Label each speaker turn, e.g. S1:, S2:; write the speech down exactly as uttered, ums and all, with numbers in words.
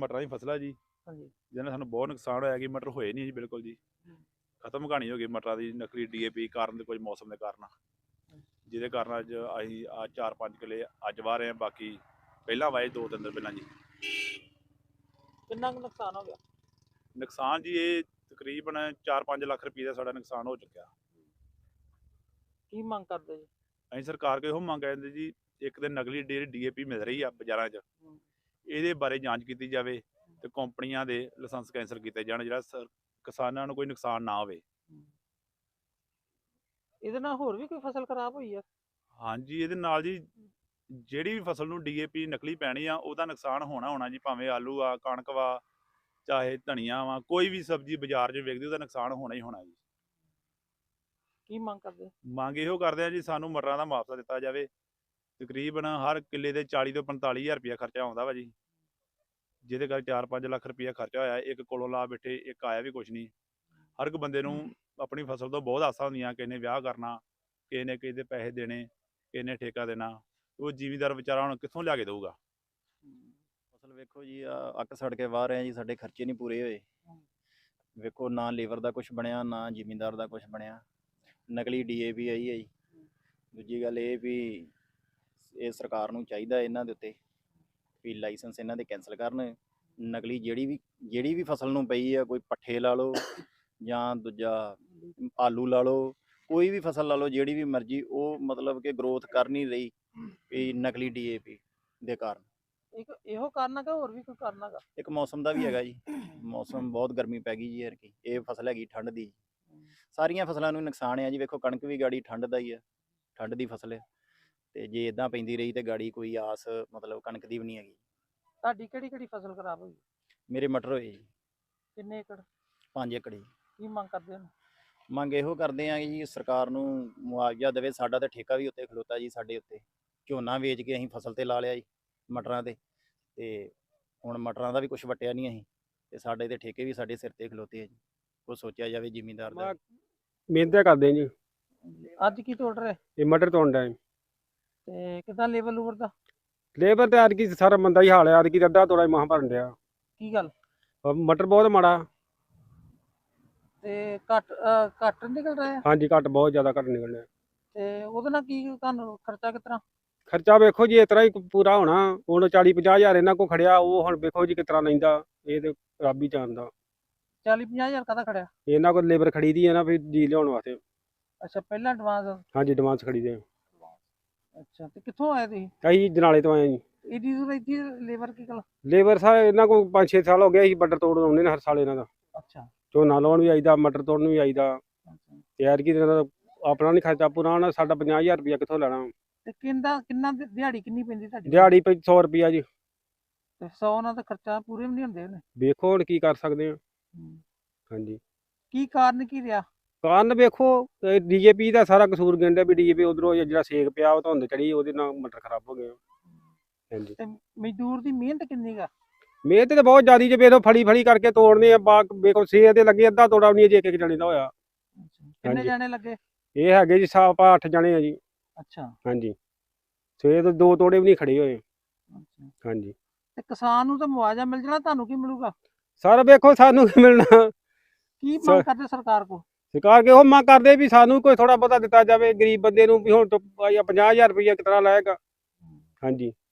S1: ਮਟਰਾਂ ਦੀ ਫਸਲ ਆ ਜੀ,
S2: ਹਾਂਜੀ
S1: ਜਿਹਦੇ ਨਾਲ ਸਾਨੂੰ ਬਹੁਤ ਨੁਕਸਾਨ ਹੋਇਆ ਕਿ ਮਟਰ ਹੋਏ ਨਹੀਂ ਜੀ ਬਿਲਕੁਲ ਜੀ। ਖਤਮ ਕਹਾਣੀ ਹੋ ਗਈ ਮਟਰਾਂ ਦੀ ਨਕਲੀ ਡੀ ਏ ਪੀ ਕਾਰਨ ਤੇ ਕੁਝ ਮੌਸਮ ਦੇ ਕਾਰਨ, ਜਿਹਦੇ ਕਾਰਨ ਅੱਜ ਅਸੀਂ ਆ ਚਾਰ ਪੰਜ ਕਿੱਲੇ ਅੱਜ ਵਾਹ ਰਹੇ ਹਾਂ, ਬਾਕੀ ਪਹਿਲਾਂ ਵਾਏ ਦੋ ਤਿੰਨ ਦਿਨ ਪਹਿਲਾਂ ਜੀ।
S2: ਕਿੰਨਾ ਕੁ ਨੁਕਸਾਨ ਹੋ ਗਿਆ?
S1: ਨੁਕਸਾਨ ਜੀ ਇਹ ਤਕਰੀਬਨ ਚਾਰ ਪੰਜ ਲੱਖ ਰੁਪਏ ਦਾ ਸਾਡਾ ਨੁਕਸਾਨ ਹੋ ਚੁੱਕਿਆ।
S2: ਕੀ ਮੰਗ ਕਰਦੇ ਜੀ?
S1: ਅਸੀਂ ਸਰਕਾਰ ਕੋਲ ਇਹੋ ਮੰਗ ਕਰਦੇ ਜੀ, ਇੱਕ ਤਾਂ ਨਕਲੀ ਡੀ ਡੀ ਏ ਪੀ ਮਿਲ ਰਹੀ ਆ ਬਾਜ਼ਾਰਾਂ 'ਚ, ਇਹਦੇ ਬਾਰੇ ਜਾਂਚ ਕੀਤੀ ਜਾਵੇ ਤੇ ਕੰਪਨੀਆਂ ਦੇ ਲਾਇਸੈਂਸ ਕੈਂਸਲ ਕੀਤੇ ਜਾਣ, ਜਿਹੜਾ ਸਰ ਕਿਸਾਨਾਂ ਨੂੰ ਕੋਈ ਨੁਕਸਾਨ ਨਾ ਹੋਵੇ।
S2: ਇਹਦੇ ਨਾਲ ਹੋਰ ਵੀ ਕੋਈ ਫਸਲ ਖਰਾਬ ਹੋਈ ਆ?
S1: ਹਾਂਜੀ, ਇਹਦੇ ਨਾਲ ਜੀ ਜਿਹੜੀ ਵੀ ਫਸਲ ਨੂੰ ਡੀ ਏ ਪੀ ਨਕਲੀ ਪੈਣੀ ਆ ਉਹਦਾ ਨੁਕਸਾਨ ਹੋਣਾ ਹੋਣਾ ਜੀ, ਭਾਵੇਂ ਆਲੂ ਆ, ਕਣਕ ਵਾ, ਚਾਹੇ ਧਨੀਆ ਵਾ, ਕੋਈ ਵੀ ਸਬਜ਼ੀ ਬਾਜ਼ਾਰ 'ਚ ਵਿਕਦੀ ਉਹਦਾ ਨੁਕਸਾਨ ਹੋਣਾ ਹੀ ਹੋਣਾ ਜੀ।
S2: ਕੀ ਮੰਗ ਕਰਦੇ?
S1: ਮੰਗ ਇਹੋ ਕਰਦੇ ਆ ਜੀ, ਸਾਨੂੰ ਮਟਰਾਂ ਦਾ ਮੁਆਵਜ਼ਾ ਦਿੱਤਾ ਜਾਵੇ। ਤਕਰੀਬਨ ਹਰ ਕਿੱਲੇ ਦੇ ਚਾਲੀ ਤੋਂ ਪੰਤਾਲੀ ਹਜ਼ਾਰ ਰੁਪਇਆ ਖਰਚਾ ਆਉਂਦਾ ਵਾ ਜੀ, ਜਿਹਦੇ ਕਰਕੇ ਚਾਰ ਪੰਜ ਲੱਖ ਰੁਪਇਆ ਖਰਚਾ ਹੋਇਆ। ਇੱਕ ਕੋਲੋਂ ਲਾ ਬੈਠੇ, ਇੱਕ ਆਇਆ ਵੀ ਕੁਛ ਨਹੀਂ। ਹਰ ਇੱਕ ਬੰਦੇ ਨੂੰ ਆਪਣੀ ਫਸਲ ਤੋਂ ਬਹੁਤ ਆਸਾਂ ਹੁੰਦੀਆਂ, ਕਿਸੇ ਨੇ ਵਿਆਹ ਕਰਨਾ, ਕਿਸੇ ਨੇ ਕਿਸੇ ਦੇ ਪੈਸੇ ਦੇਣੇ, ਕਿਸੇ ਨੇ ਠੇਕਾ ਦੇਣਾ, ਉਹ ਜ਼ਿਮੀਂਦਾਰ ਵਿਚਾਰਾ ਹੁਣ ਕਿੱਥੋਂ ਲਿਆ ਕੇ ਦੇਊਗਾ।
S3: ਫਸਲ ਵੇਖੋ ਜੀ, ਆ ਅੱਕ ਸੜ ਕੇ ਵਾਹ ਰਹੇ ਆ ਜੀ, ਸਾਡੇ ਖਰਚੇ ਨਹੀਂ ਪੂਰੇ ਹੋਏ। ਵੇਖੋ ਨਾ ਲੇਬਰ ਦਾ ਕੁਝ ਬਣਿਆ, ਨਾ ਜ਼ਿਮੀਂਦਾਰ ਦਾ ਕੁਝ ਬਣਿਆ। ਨਕਲੀ ਡੀ ਏ ਪੀ ਆਈ ਹੈ ਜੀ। ਦੂਜੀ ਗੱਲ ਇਹ ਵੀ ਇਹ ਸਰਕਾਰ ਨੂੰ ਚਾਹੀਦਾ ਇਹਨਾਂ ਦੇ ਉੱਤੇ ਵੀ ਲਾਇਸੈਂਸ ਇਹਨਾਂ ਦੇ ਕੈਂਸਲ ਕਰਨ। ਨਕਲੀ ਜਿਹੜੀ ਵੀ ਜਿਹੜੀ ਵੀ ਫਸਲ ਨੂੰ ਪਈ ਆ, ਕੋਈ ਪੱਠੇ ਲਾ ਲਓ ਜਾਂ ਦੂਜਾ ਆਲੂ ਲਾ ਲਓ, ਕੋਈ ਵੀ ਫਸਲ ਲਾ ਲਓ, ਜਿਹੜੀ ਵੀ ਮਰਜ਼ੀ, ਉਹ ਮਤਲਬ ਕਿ ਗਰੋਥ ਕਰ ਨਹੀਂ ਰਹੀ ਵੀ ਨਕਲੀ ਡੀ ਏ ਪੀ ਦੇ ਕਾਰਨ।
S2: ਇੱਕ ਇਹੋ ਕਾਰਨ ਹੈਗਾ, ਹੋਰ ਵੀ ਕੋਈ ਕਾਰਨ ਹੈਗਾ?
S3: ਇੱਕ ਮੌਸਮ ਦਾ ਵੀ ਹੈਗਾ ਜੀ, ਮੌਸਮ ਬਹੁਤ ਗਰਮੀ ਪੈ ਗਈ ਜੀ ਯਾਰ। ਕੀ ਇਹ ਫਸਲ ਹੈਗੀ ਠੰਡ ਦੀ, ਸਾਰੀਆਂ ਫਸਲਾਂ ਨੂੰ ਨੁਕਸਾਨ ਹੈ ਜੀ। ਵੇਖੋ ਕਣਕ ਵੀ ਗਾੜੀ ਠੰਡ ਦਾ ਹੀ ਆ, ਠੰਡ ਦੀ ਫਸਲ ਹੈ, ਤੇ ਜੇ ਇਦਾਂ ਪੈਂਦੀ ਰਹੀ ਤੇ ਗਾੜੀ ਕੋਈ ਆਸ ਮਤਲਬ ਕਣਕ ਦੀ ਵੀ ਨਹੀਂ ਹੈਗੀ।
S2: ਤੁਹਾਡੀ ਕਿਹੜੀ ਕਿਹੜੀ ਫਸਲ ਖਰਾਬ ਹੋਈ?
S3: ਮੇਰੇ ਮਟਰ ਹੋਏ ਜੀ
S2: ਕਿੰਨੇ ਏਕੜ?
S3: ਪੰਜ ਏਕੜ ਜੀ।
S2: ਕੀ ਮੰਗ ਕਰਦੇ ਹੋ?
S3: ਮੰਗ ਇਹੋ ਕਰਦੇ ਆ ਜੀ, ਸਰਕਾਰ ਨੂੰ ਮੁਆਵਜ਼ਾ ਦੇਵੇ। ਸਾਡਾ ਤਾਂ ਠੇਕਾ ਵੀ ਉੱਤੇ ਖਲੋਤਾ ਜੀ, ਸਾਡੇ ਉੱਤੇ ਝੋਨਾ ਵੇਚ ਕੇ ਅਸੀਂ ਫਸਲ ਤੇ ਲਾ ਲਿਆ ਜੀ ਮਟਰਾਂ ਤੇ, ਤੇ ਹੁਣ ਮਟਰਾਂ ਦਾ ਵੀ ਕੁਝ ਵਟਿਆ ਨਹੀਂ ਅਸੀਂ, ਤੇ ਸਾਡੇ ਤੇ ਠੇਕੇ ਵੀ ਸਾਡੇ ਸਿਰ ਤੇ ਖਲੋਤੇ ਆ ਜੀ। ਉਹ ਸੋਚਿਆ ਜਾਵੇ ਜ਼ਿਮੀਂਦਾਰ ਦਾ।
S4: ਮਿਹਨਤ ਕਰਦੇ ਜੀ।
S2: ਅੱਜ ਕੀ ਤੋੜ ਰਹੇ?
S4: ਇਹ ਮਟਰ ਤੋੜਦਾ
S2: ਤੇ ਕਿਦਾਂ ਲੇਬਰ ਲੂਬਰ ਦਾ?
S4: ਲੇਬਰ ਤੇ ਅੱਜ ਕੀ ਸਾਰਾ ਮੰਦਾ ਹੀ ਹਾਲ ਹੈ। ਅੱਜ ਕੀ ਅੱਧਾ ਤੋੜਾ ਮਹਾਂ ਭਰਨ ਡਿਆ।
S2: ਕੀ ਗੱਲ?
S4: ਮਟਰ ਬਹੁਤ ਮਾੜਾ।
S2: ਤੇ ਘੱਟ ਅਹ ਘੱਟ ਨਿਕਲ ਰਿਹਾ?
S4: ਹਾਂਜੀ, ਘੱਟ ਬਹੁਤ ਜ਼ਿਆਦਾ ਘੱਟ ਨਿਕਲਣਾ।
S2: ਤੇ ਉਹਦੇ ਨਾਲ ਕੀ ਤੁਹਾਨੂੰ ਖਰਚਾ ਕਿਸ ਤਰ੍ਹਾਂ?
S4: ਖਰਚਾ ਵੇਖੋ ਜੀ ਇਸ ਤਰ੍ਹਾਂ ਹੀ ਪੂਰਾ ਹੋਣਾ। ਹੁਣ ਚਾਲੀ ਪੰਜਾਹ ਹਜ਼ਾਰ ਇਹਨਾਂ ਕੋਲ ਖੜਿਆ, ਉਹ ਹੁਣ ਵੇਖੋ ਜੀ ਕਿਸ ਤਰ੍ਹਾਂ ਲੈਂਦਾ, ਇਹ ਤੇ ਰੱਬ ਹੀ ਜਾਣਦਾ।
S2: ਚਾਲੀ ਪੰਜਾਹ ਹਜ਼ਾਰ ਕਾਹਦਾ ਖੜਿਆ?
S4: ਇਹਨਾਂ ਕੋਲ ਲੇਬਰ ਖੜੀ ਦੀ ਹੈ ਨਾ, ਫਿਰ ਜੀ ਲਿਆਉਣ ਵਾਸਤੇ।
S2: ਅੱਛਾ, ਪਹਿਲਾਂ ਐਡਵਾਂਸ?
S4: ਹਾਂਜੀ, ਐਡਵਾਂਸ ਖੜੀ ਦੇ।
S2: ਅੱਛਾ, ਤੇ ਕਿੱਥੋਂ ਆਏ ਤੁਸੀਂ?
S4: ਅਸੀਂ ਜਨਾਲੇ ਤੋਂ ਆਏ ਜੀ।
S2: ਇਹਦੀ ਦੂਰ ਇੱਥੇ ਲੇਬਰ ਕੀ ਗੱਲ?
S4: ਲੇਬਰ ਸਾਰੇ ਇਹਨਾਂ ਕੋਲ ਪੰਜ ਛੇ ਸਾਲ ਹੋ ਗਏ। ਅਸੀਂ ਮਟਰ ਤੋੜਨ ਆਉਂਦੇ ਨੇ ਹਰ ਸਾਲ ਇਹਨਾਂ ਦਾ।
S2: ਅੱਛਾ,
S4: ਝੋਨਾ ਲਾਉਣ ਵੀ ਆਈਦਾ, ਮਟਰ ਤੋੜਨ ਵੀ ਆਈਦਾ।
S2: ਅੱਛਾ।
S4: ਤੇ ਐਤਕੀ ਦਾ ਆਪਣਾ ਨਹੀਂ ਖਰਚਾ ਪੂਰਾ ਹੋਣਾ, ਸਾਡਾ ਪੰਜਾਹ ਹਜ਼ਾਰ ਰੁਪਇਆ ਕਿੱਥੋਂ ਲੈਣਾ।
S2: ਤੇ ਕਿੰਨਾ ਕਿੰਨਾ ਦਿ- ਦਿਹਾੜੀ ਕਿੰਨੀ ਪੈਂਦੀ ਤੁਹਾਡੀ?
S4: ਦਿਹਾੜੀ ਪਈ ਸੌ ਰੁਪਇਆ ਜੀ।
S2: ਤੇ ਸੌ ਨਾਲ ਤਾਂ ਖਰਚਾ ਪੂਰੇ ਵੀ ਨਹੀਂ ਹੁੰਦੇ ਉਹਨੇ।
S4: ਵੇਖੋ ਹੁਣ ਕੀ ਕਰ ਸਕਦੇ ਆ।
S2: ਹੂੰ।
S4: ਹਾਂਜੀ,
S2: ਕੀ ਕਾਰਨ ਕੀ ਰਿਹਾ?
S4: ਕਾਰਨ ਵੇਖੋ ਡੀ ਏ ਪੀ ਦਾ ਸਾਰਾ ਕਸੂਰ ਕਹਿੰਦੇ ਵੀ ਡੀ ਏ ਪੀ ਉਧਰੋਂ ਜਿਹੜਾ ਸੇਕ ਪਿਆ, ਉਹ ਧੁੰਦ ਚੜੀ, ਉਹਦੇ ਨਾਲ ਮਟਰ ਖਰਾਬ ਹੋ ਗਏ। ਹਾਂਜੀ,
S2: ਤੇ ਮਜ਼ਦੂਰ ਦੀ ਮਿਹਨਤ ਕਿੰਨੀ ਗਾ?
S4: ਮਿਹਨਤ ਤੇ ਬਹੁਤ ਜ਼ਿਆਦੀ ਜੇ ਵੇਖੋ, ਫੜੀ ਫੜੀ ਕਰਕੇ ਤੋੜਨੇ ਆ। ਬਾਗ ਵੇਖੋ ਸੇ ਦੇ ਲੱਗੇ, ਅੱਧਾ ਤੋੜਾ ਵੀ ਨਹੀਂ ਜੇ ਇੱਕ ਇੱਕ ਜਣੇ ਦਾ ਹੋਇਆ।
S2: ਕਿੰਨੇ
S4: ਹਾਂਜੀ।
S2: ਜਾਣੇ ਲੱਗੇ?
S4: ਇਹ ਹੈਗੇ ਜੀ ਸਾਪਾ ਅੱਠ ਜਣੇ ਆ ਜੀ।
S2: ਅੱਛਾ
S4: ਹਾਂਜੀ, ਸੇ ਤੋਂ ਦੋ ਤੋੜੇ ਵੀ ਨਹੀਂ ਖੜੇ ਹੋਏ।
S2: ਅੱਛਾ।
S4: ਹਾਂਜੀ,
S2: ਤੇ ਕਿਸਾਨ ਨੂੰ ਤਾਂ ਮੁਆਵਜ਼ਾ ਮਿਲ ਜਾਣਾ, ਤੁਹਾਨੂੰ ਕੀ ਮਿਲੂਗਾ?
S4: ਸਰ ਵੇਖੋ ਸਾਨੂੰ ਕੀ ਮਿਲਣਾ।
S2: ਕੀ
S4: ਸਰ-
S2: ਮੰਗ ਕਰਦੇ ਸਰਕਾਰ ਕੋ?
S4: ਸਰਕਾਰ ਕੇ ਉਹ ਮੰਗ ਕਰਦੇ ਵੀ ਸਾਨੂੰ ਕੋਈ ਥੋੜਾ ਬਹੁਤਾ ਦਿੱਤਾ ਜਾਵੇ ਗਰੀਬ ਬੰਦੇ ਨੂੰ, ਵੀ ਹੁਣ ਤੋਂ ਪੰਜਾਹ ਹਜ਼ਾਰ ਰੁਪਇਆ ਕਿਤਨਾ ਲਾਏਗਾ। ਹਾਂਜੀ।